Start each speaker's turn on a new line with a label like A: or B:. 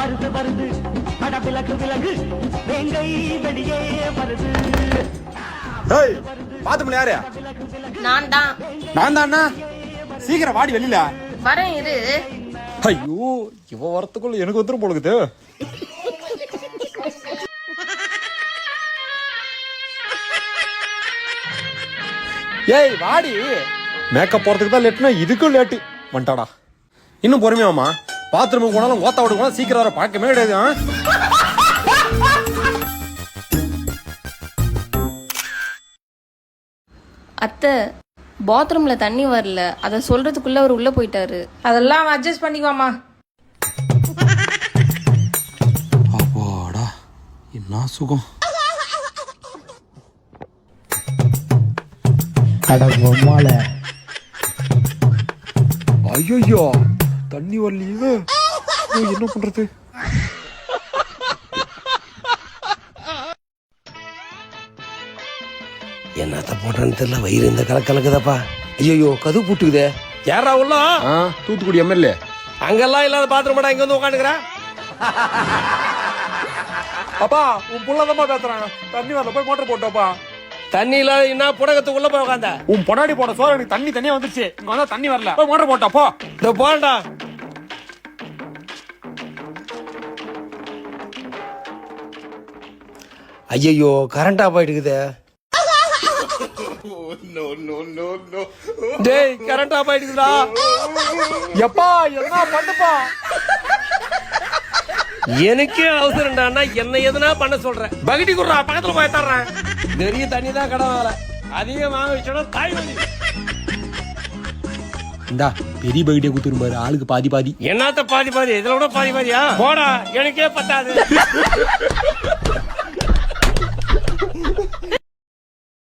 A: வருது வருது பட விலகு விலகு வேங்கை வெளியே வருது.
B: ஏய் பாத்துமல யாரு?
C: நான் தான்.
B: நான் தானா? சீக்கிரம் வாடி வெளியில.
C: வரேன் இரு.
B: ஐயோ இவ வரத்துக்குள்ள எனக்கு வந்துரும் போலுக்குது. ஏய் வாடி. மேக்கப் போறதுக்கு தான் லேட்னா இதுக்கும் லேட்டு வந்துட்டாடா. இன்னும் பொறுமையாமா பாத்ரூமுக்கு போனாலும் ஓத்த விட்டு சீக்கிரம் வர பார்க்கவே கிடையாது.
C: அத்தை பாத்ரூம்ல தண்ணி வரல, அத சொல்றதுக்குள்ள அவர் உள்ள போயிட்டாரு.
D: அதெல்லாம் அட்ஜஸ்ட் பண்ணிக்குவாமா.
B: அப்பாடா என்ன சுகம். ஐயோ தண்ணி வரலையே, என்ன பண்றது?
E: என்னத்த போடுறேன்னு தெரியல, வயிறு இந்த கலக்குதாப்பா. ஐயோ கது பூட்டுக்குதே. யாரா உள்ள?
B: தூத்துக்குடி எம்எல்ஏ.
E: அங்கெல்லாம் இல்லாத பாத்ரூம் இங்க வந்து உட்காந்துக்கிறேன்.
B: அப்பா உன் புள்ளதமா பேசுறாங்க. தண்ணி வரல, போய் மோட்டர் போட்டோப்பா.
E: தண்ணி இல்லாத என்ன புடகத்துக்குள்ள போய் உட்காந்த?
B: உன் பொடாடி போட சோறு எனக்கு தண்ணி தனியா வந்துருச்சு. இங்க வந்தா தண்ணி வரல, போய் மோட்டர் போட்டோப்பா.
E: இதோ போண்டா. ஐயோ கரண்ட் ஆஃப் ஆயிட்டுக்குதே. டேய் கரண்ட் ஆஃப் ஆயிட்டுக்குதா.
B: எப்பா என்ன பண்ணுப்பா?
E: எனக்கே அவசரம்டான்னா என்ன எதுனா பண்ண சொல்றேன். பகட்டி குடுறா, பக்கத்துல போய் தர்றேன். நிறைய தண்ணி தான் கடன் வாங்கல, அதிகம் வாங்க வச்சோட தாய் வலி.
B: இந்தா பெரிய பகிட்டிய குத்துரும் பாரு, ஆளுக்கு பாதி பாதி.
E: என்னத்த பாதி பாதி? இதுல கூட பாதி பாதியா? போடா, எனக்கே பத்தாது.